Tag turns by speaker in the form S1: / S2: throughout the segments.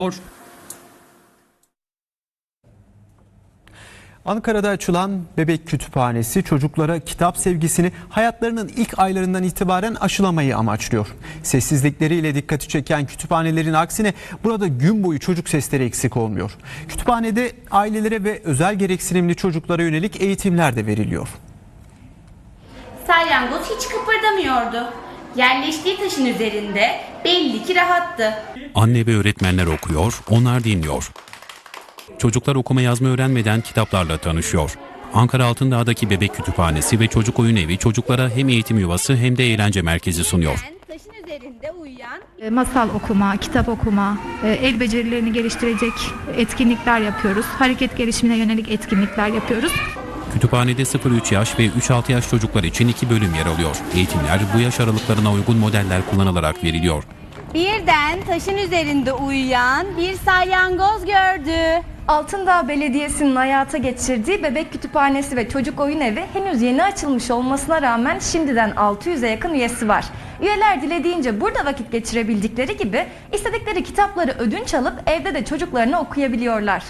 S1: Ankara'da açılan Bebek Kütüphanesi çocuklara kitap sevgisini hayatlarının ilk aylarından itibaren aşılamayı amaçlıyor. Sessizlikleriyle dikkati çeken kütüphanelerin aksine burada gün boyu çocuk sesleri eksik olmuyor. Kütüphanede ailelere ve özel gereksinimli çocuklara yönelik eğitimler de veriliyor.
S2: Salyangoz hiç kıpırdamıyordu. Yerleştiği taşın üzerinde belli ki rahattı.
S3: Anne ve öğretmenler okuyor, onlar dinliyor. Çocuklar okuma yazma öğrenmeden kitaplarla tanışıyor. Ankara Altındağ'daki Bebek Kütüphanesi ve Çocuk Oyun Evi çocuklara hem eğitim yuvası hem de eğlence merkezi sunuyor.
S2: Taşın üzerinde uyuyan
S4: Masal okuma, kitap okuma, el becerilerini geliştirecek etkinlikler yapıyoruz. Hareket gelişimine yönelik etkinlikler yapıyoruz.
S3: Kütüphanede 0-3 yaş ve 3-6 yaş çocuklar için 2 bölüm yer alıyor. Eğitimler bu yaş aralıklarına uygun modeller kullanılarak veriliyor.
S2: birden taşın üzerinde uyuyan bir salyangoz gördü.
S5: Altındağ Belediyesi'nin hayata geçirdiği Bebek Kütüphanesi ve Çocuk Oyun Evi henüz yeni açılmış olmasına rağmen şimdiden 600'e yakın üyesi var. Üyeler dilediğince burada vakit geçirebildikleri gibi istedikleri kitapları ödünç alıp evde de çocuklarına okuyabiliyorlar.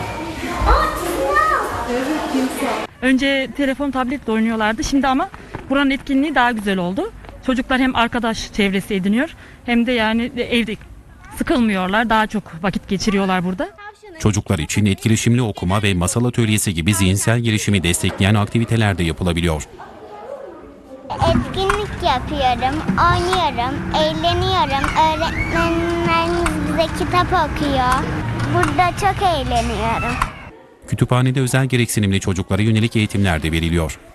S6: Önce telefon, tabletle oynuyorlardı. Şimdi ama buranın etkinliği daha güzel oldu. Çocuklar hem arkadaş çevresi ediniyor hem de yani evde sıkılmıyorlar. Daha çok vakit geçiriyorlar burada.
S3: Çocuklar için etkileşimli okuma ve masal atölyesi gibi zihinsel gelişimi destekleyen aktiviteler de yapılabiliyor.
S7: Etkinlik yapıyorum, oynuyorum, eğleniyorum. Öğretmenlerimiz bize kitap okuyor. Burada çok eğleniyorum.
S3: Kütüphanede özel gereksinimli çocuklara yönelik eğitimler de veriliyor.